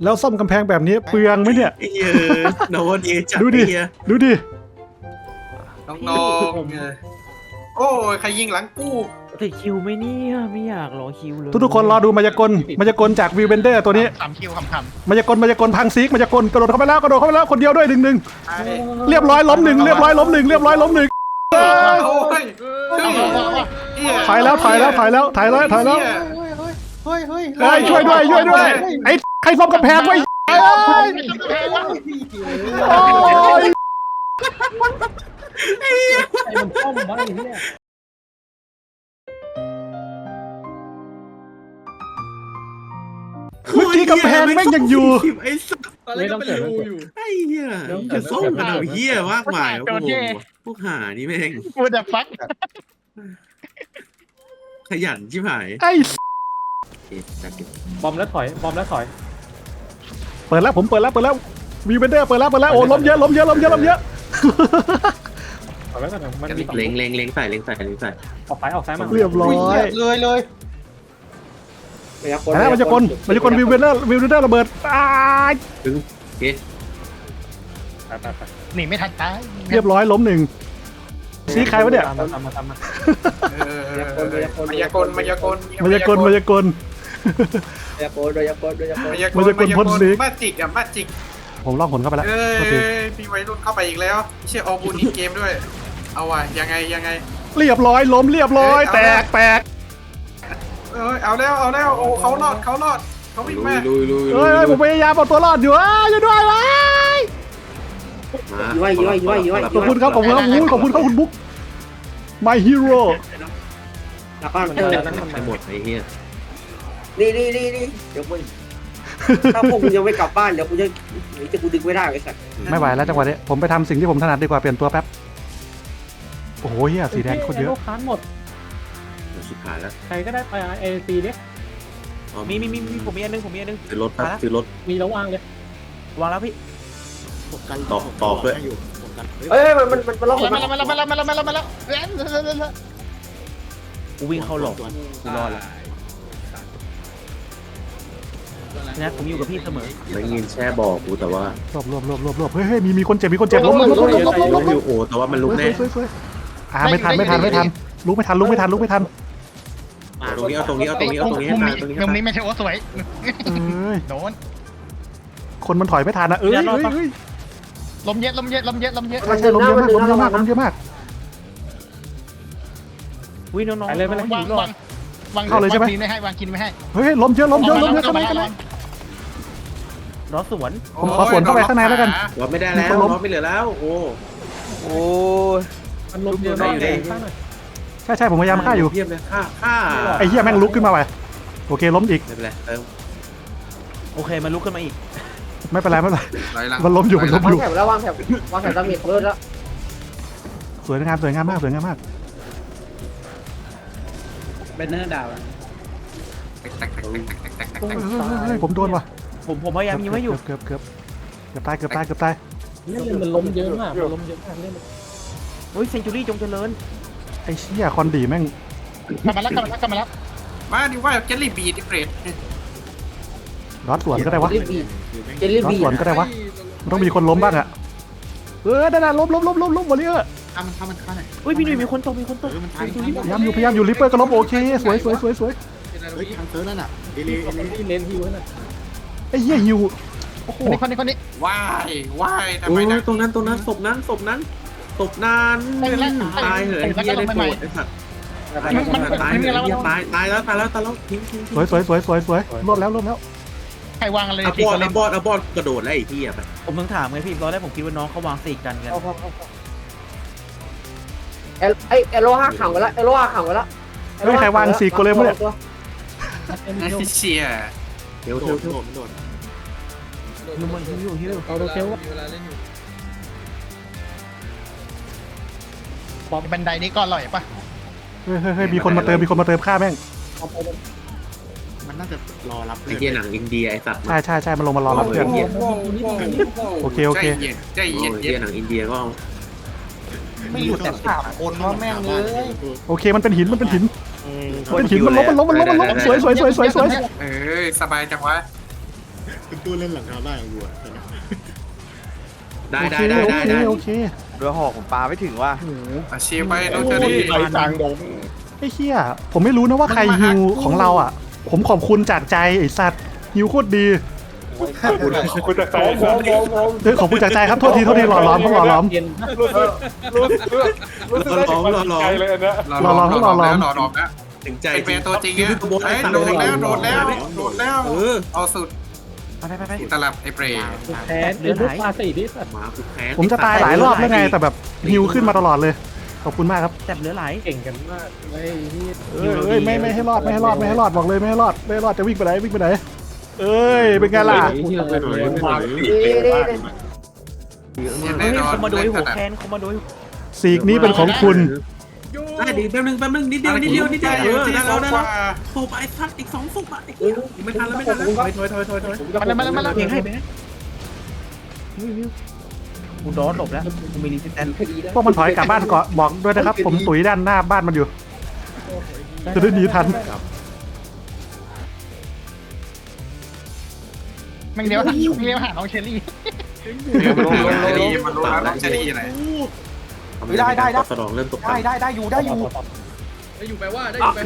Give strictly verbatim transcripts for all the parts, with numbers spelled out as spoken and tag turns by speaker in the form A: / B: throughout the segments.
A: แล้วซ่อมกำแพงแบบนี้เปลืองไหมเนี่ย
B: เออโนวันเอจัด
A: ดูดิ
B: เฮีย
A: ดูดิ
C: น้องๆเออโอ้ยใครยิงหลังกู
D: ติดคิวไหมเนี่ยไม่อยากรอคิวเลย
A: ทุกๆคนรอดูมายากลมายากลจากวิวเบนเดอร์ตัวนี้
E: สามคิวคำคำ
A: มายากลมายากลพังซีกมายากลกระโดดเข้าไปแล้วกระโดดเข้าไปแล้วคนเดียวด้วยหนึ่งหนึ่ง
C: ไอ้
A: เรียบร้อยล้มหนึ่งเรียบร้อยล้มหนึ่งเรียบร้อยล้มหนึ่ง
C: โอ้ยเฮ้ยเหี้ย
A: ถ่ายแล้วถ่ายแล้วถ่ายแล้วถ่ายแล้วถ่ายแล้ว
C: เหี้
E: เฮ้ยเฮ้ย
A: เฮ้ยช่วยด้วยช่วยด้วยไอ้ใครซ่อมกำแพงไว้เอ้ยโอ้ย
D: ไอ้มันซ่อมบ้างเนี่ย
A: เมื่อกี้กำแพงแม่งยังอยู่
B: ไอ้สัส
F: ตอนแรกก็เป็นรูอยู่
B: ไอ้เหี้ยจะส่งกันเอาเหี้ยมากมายโอ้โหพวกหานี่แม่ง
E: กูจะฟัก
B: ขยันชิบหาย
A: ไอ้
B: โอเคจัดเก็บบ
D: อมแล้วถอยบอมแล้วถอย
A: เปิดแล้วผมเปิดแล้วเปิดแล้ววิวเบนเดอร์เปิดแล้วเปิดแล้วโอ้ล้มเยอะล้มเยอะล้มเยอะล้มเยอะ
D: ถอยไว้ก่อนมันมีสอง
B: เล็งเล็งเล็งใส่เล็งใส่เล็งใส่
D: ออกซ้ายออกซ้ายมา
A: เรียบร้อย
E: เลยเลย
A: แล้วมันจะกลมันจะกลวิวเบนเดอร์วิวเบนเดอร์ระเบิดตาย
B: ถึงโอเค
D: ไปไปไป
E: หนีไม่ทันตาย
A: เรียบร้อยล้มหนึ่งซีใครวะเนี่ย
D: ตามมาตามมาตามมา
C: เออมายากลมายากล
A: มายากลมายากล
F: ยาโกโดยาโกโดยาโก
C: มายากล
A: มายากลพ่นสี
C: มาจิกอะมาจิก
A: ผมล่องหนเข้าไปแล้ว
C: เอ้
A: โทษที
C: ยมีวัยรุ่นเข้าไปอีกแล้วไม่ใช่ออบูนอีกเกมด้วย เอาว่ะยังไงยังไง
A: เรียบร้อยล้มเรียบร้อยแตกแตก
C: เอ้ยเอาแล้วเอาแล้วโอ้เขารอดเขารอดเขาวิ่ง
B: ลุ
C: มาย
B: ลุยลุย
A: เฮ้ยผมพยายามเอาตัวรอดอยู่อ้าวช่วยด้วยวะ
B: ย้อยย้อยย้อยย้อย
A: ขอบคุณครับขอบคุณครับอู้ขอบคุณครับคุณบุ๊ก my hero
F: กลับบ้านเหมือน
D: เอ
F: เดิ
D: อ
F: ม
D: นั้นทำไม
B: ไปหมดไอ้เหี้ย
F: นี่นี่นี่นี่เดี๋ยวมึงถ้าพวกมึงยังไม่กลับบ้านเดี๋ยวกูจะเดี๋ยวจะกูดึงไม่ได้ไอ้สัตว์
A: ไม่ไหวแล้วจังหวะนี้ผมไปทำสิ่งที่ผมถนัดดีกว่าเปลี่ยนตัวแป๊บโอ้โหเฮียสีแดงโคตรเยอะ
D: ลูกค้านหมด
B: ชิบหายแล้ว
D: ใครก็ได้ไปเอซีเนี่ย
G: มีมีมีมีผมมีอันนึงผมมีอันนึง
B: ซื้อรถครับซื้อรถ
D: มีแล้ววางเลย
G: วางแล้วพี่
B: ตอกตอกด้วย
F: เอ้ยมันมันมันมันล็อกผม
E: มาแล้วมาแล้วมาแล้วมาแล้วมาแล้วมาแล้วแล้ว
G: กูวิ่งเข้าหลอกกูรอดแล้วนะผมอยู่กับพี่เสมอ
B: ไม่ยินแช่บอกกูแต่ว่าร
A: วบรวบรวบรวบรวบเฮ้ยเฮ้ยมีมีคนเจ็บมีคนเจ็บล้มล้มล้มล้มล้มล้มล้มล้ม
B: ไม่อยู่โอ้แต่ว่ามันลุกแน่
A: สวยสวยอ่าไม่ทันไม่ทันไม่ทันลุกไม่ทันลุกไม่ทันลุกไม่ทัน
B: ตรงนี้เอาตรงนี้เอาตรงนี้เอาตรงนี้ให้
E: มุม
B: ตาย
E: นี้
B: ตรงนี้
E: มุม
B: ให้
E: นี้ไม่ใช่โอ้สวย
A: เอ้ย
E: โดน
A: คนมันถอยไม่ทันนะเอ้ยเอ้ยเอ้ย
E: ลมเยอะลมเยอะลมเยอะลมเยอะ
A: ใช่ใช่ล้มเยอะมากล้มเยอะมากล้มเยอะมาก
G: วิ่งน้องๆ
D: ไปเลยไปเลย
E: วางวางวางกินไม่ให้วางกินไม่ให้
A: เฮ้ยล้มเยอะล้มเยอะล้มเยอะข้างในข้างใน
G: รอสวน
A: ผมขอสวนเข้าไปข้างในแล้วกัน
B: รถไม่ได้แล้วรถไม่เหลือแล้วโอ้
G: โอ้
D: มันลมเยอะมากเลยข้างหน่อย
A: ใช่ใช่ผมพยายามฆ่าอยู่
B: เยี่ยมเลยฆ่าฆ่า
A: ไอ้เหี้ยแม่งลุกขึ้นมาไปโอเคล้มอีก
B: ไม่เป็นไรเออ
G: โอเคมันลุกขึ้นมาอีก
A: ไม่เป็นไรไม่เป็นไร
C: ไหลหลัง
A: มันล้มอยู่มันล้ม
F: วา
A: อง ยู่
F: แถวแล้ววางแถววางแถวดาเมจเพิ่มแล้ว
A: สวยงามสวยงามมากสวยงามมาก
F: เป็นเนอร์ดาว
A: เฮ้ยผมโดนว่ะ
G: ผมผมพยายามยิงไว้อยู่
A: เกือบเกือบเกือบตายเกือบตายเกือบตาย
D: เล่นมันล้มเยอะมากมันล้มเยอะมากเล่น
G: เฮ้ยเซนจูรี่จงเจริญ
A: ไอ้เชี่ยคอนดีแม่ง
E: กลับมาแล้วกลับมาแล้วกลับมาแล้ว
C: มาดิว่าเจลลี่บีดดิเกรด
A: ร้อนสวนก็ได้วะ
F: เจลลี่บีเจลลี่
A: ร้อน
F: บี
A: สวนก็ได้วะมันต้องมีคนล้มบ้างอะเออนั่นน่ะล้มล้มล้มล้มล้มหมดเลยเออ
E: ทำมันทำมันฆ่าหน่อย
G: เฮ้ยพี่หนุ่ยมีคนตกมีคนตก
E: มันตาย
A: พยายามอยู่พยายามอยู่ลิปเปอร์ก็ล้มโอเคสวยสวยสวยสวย
E: เฮ้ยทางเซิร์ฟนั่นอ่ะ
D: ที่เลนฮิวนั่น
A: ไอ้เหี้ยฮิวโอ้โห
E: คนนี้คนนี้คนนี้
C: ว่ายว่ายทำ
B: โอ้
C: ไม
B: ย
C: นะ
B: ตรงนั้นตรงนั้นศพนั้นศพนั้นศพนานตายเหรอไอ้เหี้ยได้โปรดไอ้สัตว์ตายตายตายตายแล้วตายแล้วตายแล้วทิ้งทิ้ง
A: สวยสวยสวยสวยสวยรวบแล้วรวบแล้ว
E: ใครวางอะไร
B: อะ
E: ที
B: บอ
E: ค
B: ด
E: นเล่
B: อะ
E: น
B: บอดอะบอดกระโดดแล้วไอ้เหี้ยไป
G: ผมเพิ่งถามไงพี่ตอนแรกผมคิดว่าน้องเขาวางสี่กันกัน
F: เอลไอเอโลห้าขังไว้แล้วเอโลห้าขังไว้แล้ว
A: เฮ้ยใครวางสี่โกเลมวะเนี่ย
C: ไอ้เชีย
B: เดี๋ยวเดี๋ยวเดี๋ยว
G: ฮิวมันฮิวฮิว
D: เอาโรเทล
E: บันไดนี้ก็อร่อยป่ะ
A: เฮ้ยเฮ้ยเฮ้ยมีคนมาเติมมีคนมาเติมค่าแม่ง
E: มันน่าจะรอรับ
B: ไอ้เหี้ยหนังอินเดียไอ้สัตว์
A: ใช่ใช่ใช่มันลงมารอรับเพื่อนโอเคโอเค
C: ใจเย็นใจ
B: โอ้
C: เย็น
B: ยเหี้ยหนังอินเดียก็เอา
E: ไม่หยุดแต่สามคนว่าแม่งเลย
A: โอเคมันเป็นหินมันเป็นหินเป็นหินมันล้มมันล้มมันล้มมันล้มสวยสวยสวยสวยสวย
C: เอ้ยสบายจังวะ
H: เป็นตู้เล่นหลังคาบ้านของกูอะ
B: ได้
A: โอ
B: ได้
A: เค
B: ได้
A: โอ
B: ได้
A: เค
B: ได้
A: โอเค
I: เรือหอกผมปลาไม่ถึงว่ะ
C: อาชีพไปน้องเชอรี่
A: ไอ้เหี้ยผมไม่รู้นะว่าใครฮิวของเราอ่ะ ผมขอบคุณจากใจไอ้สัตว์ฮิวโคตรดี
H: คุณคุณจะ
F: โอ้โหโอ้โห
A: เฮ้ยขอบคุณจากใจครับโทษทีโทษทีหล่อล้อมต้องหล่อล้อม
D: เย็น
H: รู้สึกรู้สึกรู้สึกได้ถึงความใจเลยอันเนี้ย
C: หล่อหล่อหล่อแล้วหล่อหล่อแล้ว
B: ถึงใจ
C: ไอเปตัวจริงเนี่ยเฮ้ยโดดแล้วโดดแล้วโดดแล้ว
B: เออ
C: เอาสุด
G: ไปไปไปไป
C: ตลับไอเปรย์
D: แทนเรือปลาสี่ที่สัตว์
B: มาคือแพ้
A: ผมจะตายหลายรอบแล้วไงแต่แบบฮิวขึ้นมาตลอดเลย ขอบคุณมากครับ
G: แซ่บเหลือไหล
D: เก่งกันมากไอ้ที่
A: เอ้ยเอ้ยไม่ไม่ให้รอดไม่ให้รอดไม่ให้รอดบอกเลยไม่ให้รอดไม่ให้รอดจะวิ่งไปไหนวิ่งไปไหนเอ้ยเป็นไงล่ะ
D: ที่เรา
B: ไปหน่อยไปหน่อย
F: ดีดี
G: เฮ้ยคอมมาโดยหัวแคนคอมมาโดย
A: สีกนี้เป็นของคุณ
B: ได้ดีแป๊บนึงแป๊บนึงนิดเดียวนิดเดียวนิดเดียวเออได้แล้วได้แล้วโผล่ไปทัดอีกสองฟุกอ่ะไม่ทันแล้วไม่ทันแล้วถอยถอยถอยถอยถอย
E: มาแล้วมาแล้วมาแล้ว
G: เพลงให้เพลงให้วิววิวกูโดนหลบแล้วกูมีรีเซตแตน
A: พวกมันถอยกลับบ้านก่อนบอกด้วยนะครับ ผมตุ๋ยด้านหน้าบ้านมันอยู่จะได้หนีทัน
E: แม่งเดี๋ยวเลี้ยวหาน้องเชอรี่
C: มันรู้เชอรี่มันรู้แล้วเชอรี่อะไร
B: ได้ได้ได้สนองเริ่มตก
E: ได้ได้ได้อยู่ได้อยู่
A: ได้อยู่แปลว่า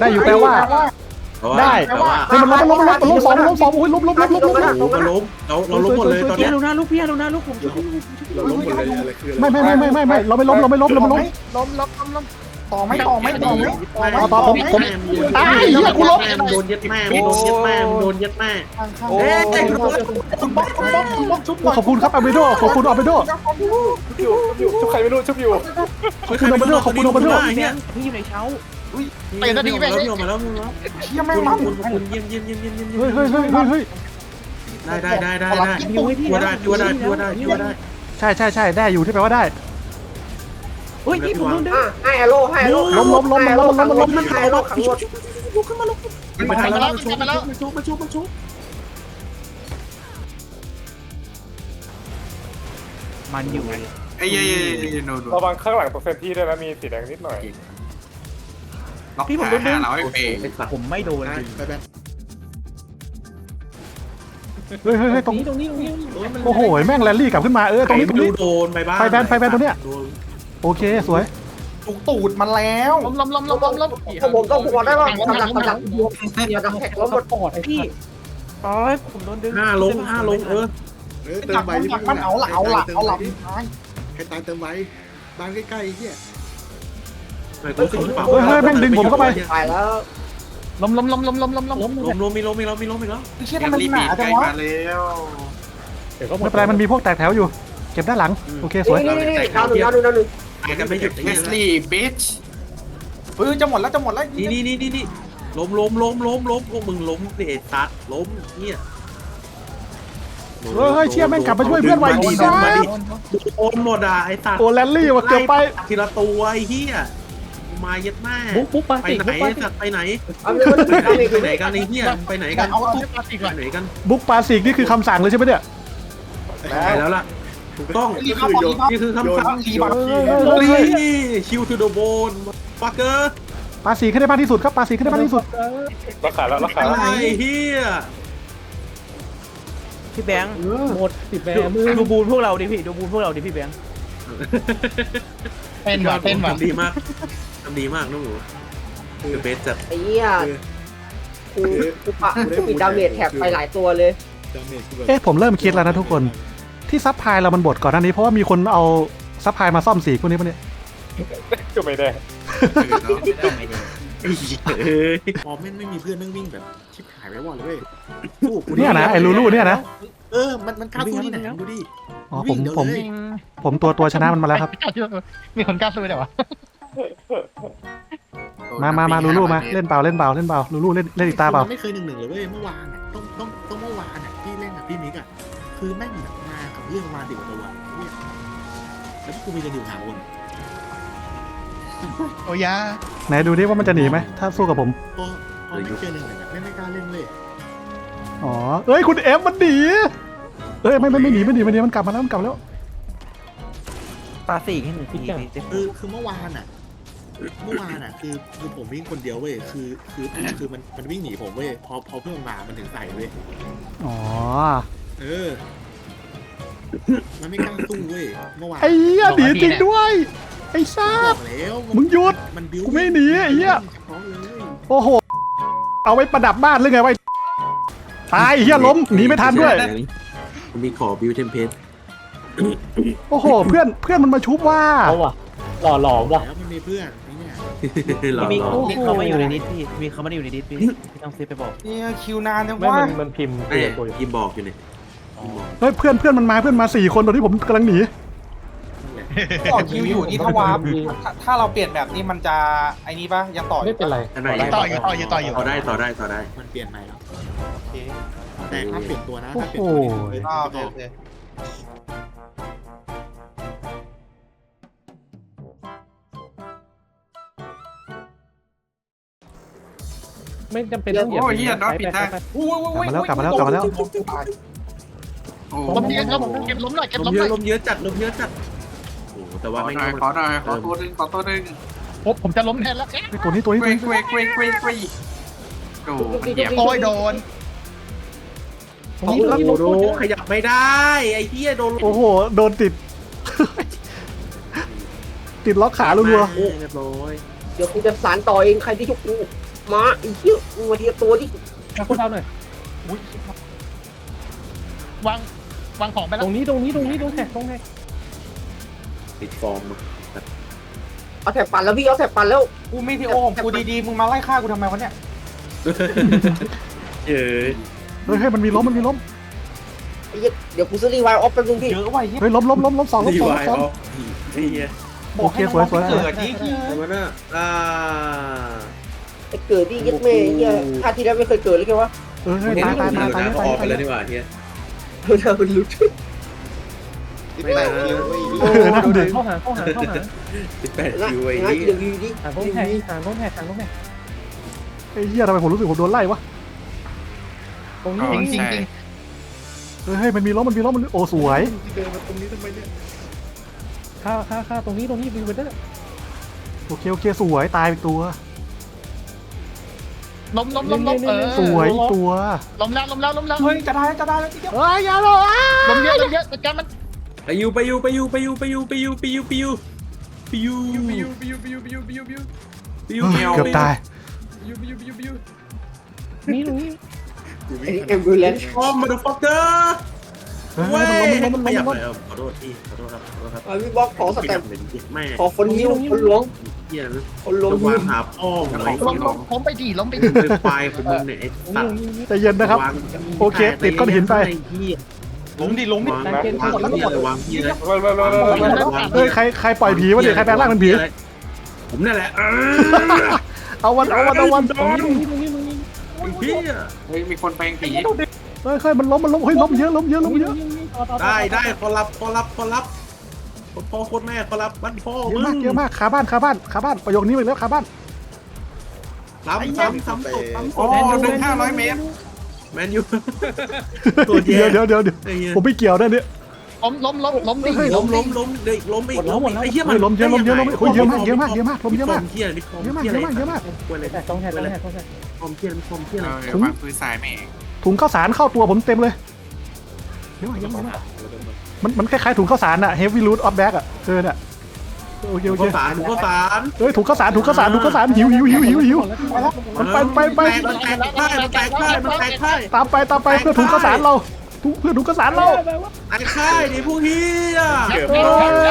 A: ได้
B: แต่ว่า
A: เฮ้ยมันล้มมันล้มมันล้มมันล้มสองมันล้มสองอุ้ยล้มล้มล้มล้มล้มล้ม
B: เราล้มเราเราล้มหมดเลยตอน
G: เพี้
B: นี้
G: ยนลงหน้าลูกเพี้ยนลงหน้าลูกผม
H: เราล้มหมดเลยอะไรคือ
A: ไม่ไม่ไม่ไม่ไม่ไม่เราไม่ล้มเราไม่ล้มเราไม่ล้ม
E: ล้มล้มล้มล้มต่อไม่ต่อไม่ต่อไม่ต่อไม่
A: ต่อผมผมตายเหี้ยกูล้ม
B: โดนยัดแม่โดนยัดแม่โดนยัดแม่
E: ข้างข้าง
G: โอ้ย
E: คุณบ๊อบคุณบ๊อบคุณบ๊อบชุบหน่อย
A: ขอบคุณครับอาเบโดขอบคุณอาเบโด
H: ชุบอยู่ชุบอยู่ชุบใครไม่รู้ชุบอยู่
A: ขอบคุณอาเบโดขอบคุณอาเบโด
B: เนี่ย
G: พี่อยู่ในเช้า
E: เปลี่ยนนาทีแม่ง
B: แล้วพี่ออกมาแล้วพี่ออกมาแล้ว
E: เชี่ยแม่ง
B: ข
E: มั
B: อบ
E: น
B: คุณขอบคุณเยี่ยมเยี่ยมเยี่ยมเยี่ยมเยี่ยม
A: เฮ้ยเฮ้ยเฮ้ยเฮ้ยเฮ้ย
B: ได้ได้ได้ได้ได้พี่ว่าได้พี่ว่าได้พี่ว่าได้พี่ว่าได้
A: ใช่ใช่ใช่ได้อยู่ที่แปลว่าได้
G: เฮ้ยพี่ผมโดนดึง
F: ให้อโลให้อโล
A: ล้มล้มล้มมันล้มมันล้มมันล้ม
F: มันให้อโลขังรถ
B: ลุกขึ้นมาลุกมาทันแล้วมาชุบมาชุบมาชุบมาชุบ
G: มันอยู่
C: ไอ้เย่เย่โนดู
H: ระวังข้างหลังตรงเซนที่ด้วยนะมีสีแดงนิดหน่อย
C: ล็อกขาหาเราไอเปรย์
G: ผมไม่โดน
H: ไปแบบ
A: เฮ้ยเฮ้ยเฮ้ยตรง
D: นี้ตรงนี้ตรงนี้
A: โอ้โหแม่งแรลลี่กลับขึ้นมาเออตรงนี้ตรงนี้
B: โดนไปบ้าง
A: ไฟแบนไฟแบนตรงเนี้ยโอเคสวย
E: ถูกตูดมันแล้วล้มล้มล้มล้มล้มล้ม
F: ผมต้องผมได้ป่ะกำลังกำลังเดี๋ยวกำแพงล้มหมด
D: ปอดไอ้
G: พี่ตายผมโดนดึง
B: ห้าลงห้าลงเออ
H: เออเติ
E: หลั
H: ม
E: ก
H: ใบ
E: มันหลักมันเอาละเอาละเอาละตาย
H: ให้ตายเติมใบบ้านใกล้ๆเฮีย
B: ไหนตัวสิงเปล่า
A: เฮ้ยเฮ้ยแม่งดึงผมเข้าไป
F: ตายแล้ว
E: ล้มล้มล้มล้มล้มล้มล้ม
D: ล้ม
B: ลมลมมีลมมีลมมีลมมีลม
E: เชี่ย
C: แก
E: ทำไม
C: รี
E: ห
C: บี
E: นา
C: ใก
E: จั
C: ล้
E: งวะ
C: มาแล้ว
D: เดี๋ยวก็หม
A: ไม่
D: ด
A: เป็นไรมันมีพวกแตกแถวอยู่เก็บด้านหลังโอเคสวย
F: นี่นี่นี่ดาวหนึ่งดาวหนึ่งดาวหนึ่ง
B: ตายกันไม่หยุด
C: เวสลี่บิช
E: เฮ้ยจะหมดแล้วจะหมดแล้ว
B: นี่นี่นี่นี่นี่ล้มล้มล้มล้มล้มพวกมึงล้มเดชตัดล้มเนี่ย
A: เฮ้ยเฮ้ยเชี่ยแม่งกลับมาช่วยเพื่อนไวดี
B: มา
A: นะ
B: ดิโอนหมดอ่ะไอ้ตัด
A: โอ้แรลลี่ว่ะเกือบไป
B: ทีละตัวไอ้เหี้ยมาเย็ดแม่
D: ปุ๊บปุ๊บปลา
B: ไป
D: สี่
B: ไหน
D: ปุ๊บปลาสี่
B: ตัดไปไหน
F: เอาเงิน
B: ไปไหนกันไอ้เหี้ยไปไหนกัน
E: เอาเอาทุบปลาติก
B: ไป
E: ก่อน
B: ไหนกัน
A: บุ๊กปาสิกนี่คือคำสั่งเลยใช่ไหมเนี่ย
B: ไปแล้วล่ะถูกต้อง
E: รีบมาบอกรีบมา
B: นี่คือคำสั่ง
E: รีบมา
B: นี่คิวทูโดโบนฟักเกอร์
A: ปาสิกให้ได้มากที่สุดครับปาสิกให้ได้มากที่สุด
H: รักขาแล้วรักขา
B: อะ
H: แล้ว
B: ไรเฮีย
G: พี่แบงค์
D: หมดสิบแปดมือ
G: ดูบูนพวกเราดิพี่ดูบูนพวกเราดิพี่แบงค์
E: เป็นว่ะเป็นว่ะ
B: ทำดีมากทำดีมากน้องหนูคือเบสจัด
F: ไอ้เหี้ยกูกูปะกูปิดดาเมจแท็บไปหลายตัวเลย
A: เอ๊ะผมเริ่มคิดแล้วนะทุกคนที่ซับพลายเรามันบดก่อนหน้านี้เพราะว่ามีคนเอาซับพลายมาซ่อมสีพวกนี้ปะเนี่ย
H: ก็ไม่ได้พอแม่งไม่มีเพื่อนแม่งวิ่งแบบชิบหายไปวอดเลย
A: เนี่ยนะไอ้ลูลูเนี่ยนะ
H: เออมันมันกล้าสู้ที่ไหนดูดิ
A: อ๋อผมผมผมตัวตัวชนะมันมาแล้วครับ
E: มีคนกล้าสู้แต่ว่า
A: มามามาลูลูมาเล่นเปล่าเล่นเปล่าเล่นเปล่าลูลูเล่นเล่นอีกตาเปล่า
H: ไม่เคยหนึ่งหนึ่งเลยเว้ยเมื่อวานอ่ะต้องต้องต้องเมื่อวานอ่ะที่เล่นกับพี่มิกอ่ะคือแม่งแบบมากับเรื่องมาดิบตัวเนี่ยแล้วกูมีกันอยู่สามคน
E: โอ้ยา
A: ไหนดูดิว่ามันจะหนีไหมถ้าสู้กับผม
H: พอพอไม่เจอหนึ่งหนึ่งไม่ไม่กล้าเล่นเลย
A: อ๋อเอ้ยคุณเอฟมันหนีเอ้ยไม่ไม่ไม่หนีไม่หนีไม่หนีมันกลับมาแล้วมันกลับมาแล้ว
G: ปลาสี่แค่หนึ่งที
H: คือคือเมื่อวานอ่ะ เมื่อวานอ่ะคือคือผมวิ่งคนเดียวเว้ยคือคือคือมันมันวิ่งหนีผมเว้ยพอพอเพื่อนมามันถึงใส่เว้ย
A: อ๋อ
H: เออมันไม่กล้าสู้เว้ยเมื่อวาน
A: ไอ้เหี้ยหนีจริงด้วยไอ้ซ่า
H: บอกแล้ว
A: มึงหยุด
H: มันบิ้ว
A: กูไม่หนีไอ้เหี้ย
H: เฉพาะเลย
A: โอ้โหเอาไว้ประดับบ้านหรือไงไว้ตายไอ้เหี้ยล้มหนีไม่ทันด้วย
B: ผมมีขอบิวเทมเพลต
A: โอ้โหเพื่อนเพื่อนมันมาชุบว่า
D: เอาว่ะหล่อหลอมว่ะ
H: แล้วมันมีเพื่อนไอ้เนี่ย
B: หรอ
G: มี
B: หรอ
G: มีเขามาอยู่ในดิสพี่มีเขามาอยู่ในดิสพี่พี่ต้องเซฟไปบอก
E: เนี่ยคิวนานจัง
D: ไม่
E: วะ
D: มันมันพิมพ์
B: ไอ้
D: ตัวตัวอยู่
B: ยิมบอกอยู่เนี่ย
A: เฮ้ยเพื่อนเพื่อนมันมาเพื่อนมาสี่คนตอนที่ผมกำลังหนี
E: ต่อคิวอยู่นี่ถ้าวาร์ปถ้าถ้าเราเปลี่ยนแบบนี้มันจะไอ้นี่ปะยังต่ออ
D: ไม่
E: ยู่
D: เป็นไร
B: อันไหน
E: ต่ออยู่ต่ออยู่ต่ออยู่
B: ต่อได้ต่อได้ต่อได้
H: มันเปลี่ยนใหม่แล้ว
E: โอเค
H: แต่ถ้าเปลี่ยนตัวนะ
A: โอ้
H: ถ้าเป
A: โห
H: ลี่ยนตัวนี่คือ
E: อ่า
H: ไม่
E: โอ
H: อ
E: เค
H: อก
E: โอเค
D: ไม่จำเป็นต้องเหยียบ
C: โอ้ยเหี้ยน็อตผิดทาง
D: ไปไปไป
E: อุ้ยอุ้ย
A: กลับมาแล้วกลับมาแล้วกลับมาแล้ว
C: โอ้
E: ล้มเยอะครับผมเก็บล้มหน่อยเก็บ
B: ล
E: ล้
B: ม
E: ม
B: เย
E: หน่
B: อะ
E: อย
B: ลมเยอะจัดลมเยอะจัดโอ้แต่
C: ข
B: ว่า
C: อ
B: ไม่
C: หน่อยขอหน่อยขอตัวหนึ่งขอตัวหนึ่ง
E: ผมผมจะล้มแทนแล้ว
A: ไอ้ตัวนี้ตัวนี้
C: เก
A: ตัว
C: ว
A: นี้
C: เกวเกวเกวเกวโอ้มันเหยียบ
E: โอ้ยโดน
B: โอ้โหขยับไม่ได้ไอ้เหี้ยโดน
A: โอ้โหโดนติด ติดล็อกขารัว
B: เรียบร้อย
F: เดี๋ยวกูจะสารต่อเองใครที่ชุบกูมาไอ้เหี้ยมึงมาทีละตัวที่
D: มาคนเราหน่อย
E: อุ้ยวางวางของไป
D: ต
E: แล้ว
D: รงนี้ตรงนี้ตรงนี้ตรงแท็กตรงแท็ก
B: ติดฟอร์ม
F: เอาแถบปั่นแล้วพี่เอาแถบปั่นแล้ว
E: กูไม่ที่โอ้มกูดีๆมึงมาไล่ฆ่ากูทำไมวะเนี่ย
B: เออ
A: ๆเฮ้ยเฮ้ยมันมีล้มมันมีล้ม
F: ไอ้เหี้ยเดี๋ยวกูซื้อรีไวล์ออฟแป๊บนึงพี่
E: เยอะว่ะเหี้ย
A: เฮ้ยล้มล้มล้มล้มสองล้ม
B: ดี
A: สอง
B: วา
A: ล้ม
B: ย
A: สอง
B: ออฟไอ้เหี้ย
A: โอเคสวยสวยสวย
E: เกิดนี่คือ
B: ทำไมน่ะอ่า
F: ไอ้เกิดที่ยึดแม่ไอ้เหี้ยชาติที่แล้วไม่เคยเกิดเลยแค่วะ
A: เออเฮ้ยตายตายตายตาย
B: เขา
A: ตาย
B: ออกไป
A: ตาย
B: แล้วนี่หว่าเฮีย
F: เธอเป็นลุด
B: ไม่นะ
A: เออนั่นเด็ก
D: เข้าหาเข้าหาเข้าหา
B: สิบแปด
F: นะ
B: คิวไอ้
F: นะ
B: นี่
F: เดี๋ยวอยู่ดิ
D: หาตรงแท็กหาตรงแท็กหาตรงแท็ก
A: ไอ้เหี้ยทำไมผมรู้สึกผมโดนไล่วะ
D: ตรงนี้
E: จริงจริงจริง
A: เฮ้ยเฮ้ยมันมีล้มมันมีล้มมันโอ้สวย
B: เดินมาตรงนี้ทำไมเนี่ย
D: ค่าค่าค่าตรงนี้ตรงนี้วิวเวอร์
A: โอเคโอเคสวยตายอีกตัว
E: ล้มล้มล้มล้มเออ
A: สวยอีกตัว
E: ล้มแล้วล้มแล้วล้มแล้วเฮ้ยจะได้จะได้แล้วทีเดียว
A: เฮ้ยอย่าหรอกอ่ะ
E: ล้มเยอะล้มเยอะจัดการมัน
B: ไปยูไปยูไปยูไปยูไปยูไปยูไปยูไปยูไปยูไปยูไปยูไปยูไปยูไปยูไปยูไปยู
A: เฮ้ยเกือบตาย
B: ไปยูไปยูไปยูไปยู
D: นี่ตรงนี้
F: ไอ้เอ็มบูเลนซ์
B: ฟอร์มมาดูฟอกเกอร์
A: เฮ้ย
B: เว้ย
A: มันล้มมันล้มมันล้ม
B: ขยับ
A: มัน
B: เล
A: ล้ม
B: ยขอโทษพี่ขอโทษครับขอโทษครับ
F: พี่บอกขอส
B: ข
F: แต
B: ยั
F: ม
B: บเลยแม่
F: ขอคนยิ้วคนหลวง
B: เฮียนะ
F: คนหลวง
B: จะ
F: ยิ้
B: วาว งหาพ่ออะไร
E: ล้มล้มล้มไปดีล้มไปดี
B: เป็นควายของมึงเนี่ยไอ้สัตว์
A: ใจเย็นนะครับ โอเคติดก้อนหินไป
E: ล้มดิล้มดิ
B: วางวางที่เลยวางที่เลย
A: เฮ้ยใครใครปล่อยผีวะเนี่ยใครแปลงร่างเป็นผี
B: ผมนี่แหละ
A: เอาวันเอาวันเอาวัน
D: ตรงนี้ตรงนี้ตรงนี้ตรงนี้
B: พี่
C: เฮ้ยมีคนแปลงผี
A: เฮ้ยเฮ้ยมันล้มมันล้มเฮ้ยล้มเยอะล้มเยอะล้มเยอะ
B: ได้ได้ขอรับขอรับขอรับพ่อโคตรแม่ขอรับบ้านพ่อ
A: เยอะมากเยอะมากคาบ้านคาบ้านคาบ้านประโยคนี้ไปแล้วคาบ้าน
B: ซ้ำซ้ำซ้ำตกซ้ำต
C: โอ้
B: ก
C: หนึ่งห้าร้อยเมตร
B: แมนยู
A: เดี๋ยวเดี๋ยวเดี๋ยวเดี๋ยวผมไม่เกี่ยวนะเนี่ย
E: ล้มล้มล้มล้มดิ
B: ล้มล้มล้มเด็กล้มอีกล้มอีกไอ้เหี้ย
A: เฮ้ยล้มเยอะล้มเยอะล้มเฮ้ยเยอะมากเยอะมากเยอะมากล้มเยอะมาก
B: เหี้ยนี่ฟอร์ม
A: เยอะมาก
B: เหี้ย
A: เยอะมากเยอะมาก
B: กวนเลย
D: แท็กตรงแท็กตรงแท็กตรงแท็ก
B: ฟอร์มเหี้ยฟอร์มเหี้ย
C: เอ
B: อะไร
C: อวางปืนสายแม่
A: ถุงข้าวสารเข้าตัวผมเต็มเลยเยอะมากเยอะมากมันมันคล้ายๆถุงข้าวสารอะ heavy load of bag อะเออเนี่ยโอเคโอเค
B: ข้าวสารข้าวสาร
A: เฮ้ยถุงข้าวสารถุงข้าวสารถุงข้าวสารหิวหิวหิวหิวหิว มันไปไปไป
B: มันแตกได้มันแตกได้มันแตกได้
A: ตามไปตามไปเพื่อถุงข้าวสารเราถุงเพื่อถุงข้าวสารเรา
B: ไอ้ค่ายดิพวกเฮีย
A: เฮ้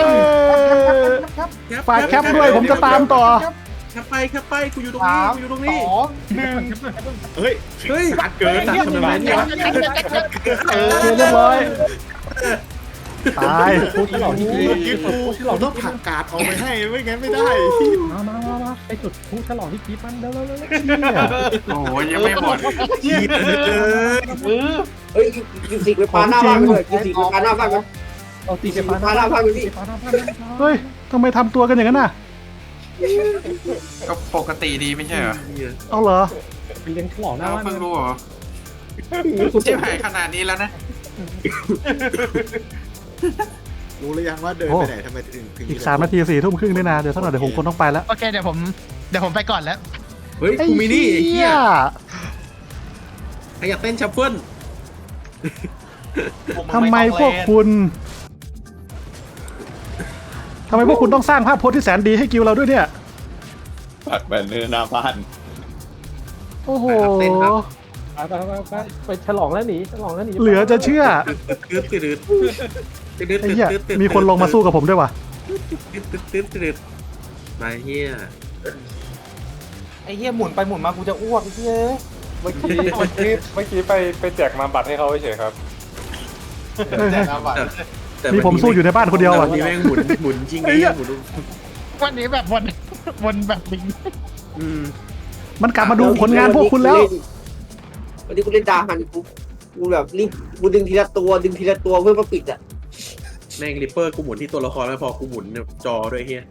A: ยฝากแคปด้วยผมจะตามต่อ
B: แคปไปแคปไปกูอยู่ตรงนี้กูอยู่ตรงนี้
E: สองหนึ่ง
B: เฮ้ยเฮ้ยเกินตัดทำไมเนี่ย
A: เออเรียบร้อยตาย
D: พูดฉลองที่พี
H: เราต้องผักกาดออกไปให้ไม่งั้นไม่ได้
D: มามามามาไปจุดพูดฉลองที่พีมันเร็วเร็วเร็ว
C: โอ้ยยังไม่หมด
B: เฮียเลย
F: เฮ้ยกินสิกไปปาหน้าบ้านไปเลยกินสิกไปปาหน้าบ้านไป
D: เอาตี
F: กิน
D: ไป
F: สิกไป
D: ฟ้า
F: ปาหน้าบ้านไปพี่
D: ฟ้าหน้าฟ้า
A: เฮ้ยทำไมทำตัวกันอย่างนั้นน่ะ
C: ก็ปกติดีไม่ใช่เหรอ
A: เอาเหรอ
D: เลี้ยงฉลองหน้า
C: เรา
D: บ้าน
C: เพิ่งรู้เหรอเจ็บหายขนาดนี้แล้วนะ
H: รู้หรือยังว่าเดินไปไหนทำไมถึงถึง
A: อีกสามนาทีสี่ทุ่มครึ่งด้วยนะเดี๋ยวสักหน่อยเดี๋ยวผมคนต้องไปแล้ว
E: โอเคเดี๋ยวผมเดี๋ยวผมไปก่อนแล้ว
B: เฮ้ยกูมินี่ไอ้เฮี
A: เหี้
B: ย
A: ย
B: ใครอยากเต้นชัฟเฟิล
A: ทำไมพวกคุณทำไมพวกคุณต้องสร้างภาพพจน์ที่แสนดีให้กิลเราด้วยเนี่ย
J: ปักแบนเนอร์หน้าบ้าน
A: โอ้โห
D: ไปไปไปไปไปฉลองแล้วหนีฉลองแล้วหนี
A: เหลือจะเชื่อ
B: ตืดตืดตืดตืด
A: ไอ้เหี้ยมีคนลงมาสู้กับผมด้วยว่ะ
B: ตืดตืดตืดตืดมาเฮีย
E: ไอ้เหี้ยหมุนไปหมุนมากูจะอ้วกไอ้เหี้ย
D: เมื่อกี้เมื่อกี้เมื่อกี้ไปไปแจกมาบัตรให้เขาเฉยครับ
C: แจกน้ำบัตร
A: มีผมสู้อยู่ในบ้านคนเดียวอ่ะ
B: มีแม่งหมุนหมุนจริงไอ้หมุน
G: วันนี้แบบวนวนแบบบิง
B: อืม
A: มันกลับมาดูผลงานพวกคุณแล้ว
F: วันนี้กูเล่นดาหันกูกูแบบรีบกูดึงทีละตัวดึงทีละตัวเพื่อมาปิดอ่ะ
B: แม่งริปเปอร์กูหมุนที่ตัวละครไม่พอกูหมุนจอด้วยเฮีย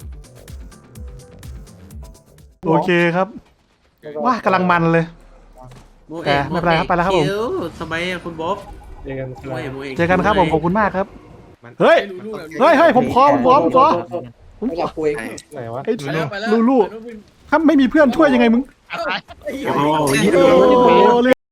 A: โอเคครับว่ากำลังมันเลย แต่ไม่เป็นไรครับไปแล้วครับผม
B: ทำไมอะคุณบ๊อบ
D: เจอกันค
B: โอ้
D: รับ
B: ยโอ้ย
A: เจอกันครับผมขอบคุณมากครับ เฮ้ย เฮ้ยเฮ้ยผมขอผมขอผมขอผม
F: ไม่
A: ข
F: อ
A: อย
F: ากคุย
D: ไหนวะ
A: ไอ้ลูลูถ้าไม่มีเพื่อนช่วยยังไงมึง
B: โอ้โห
A: โอ้เรี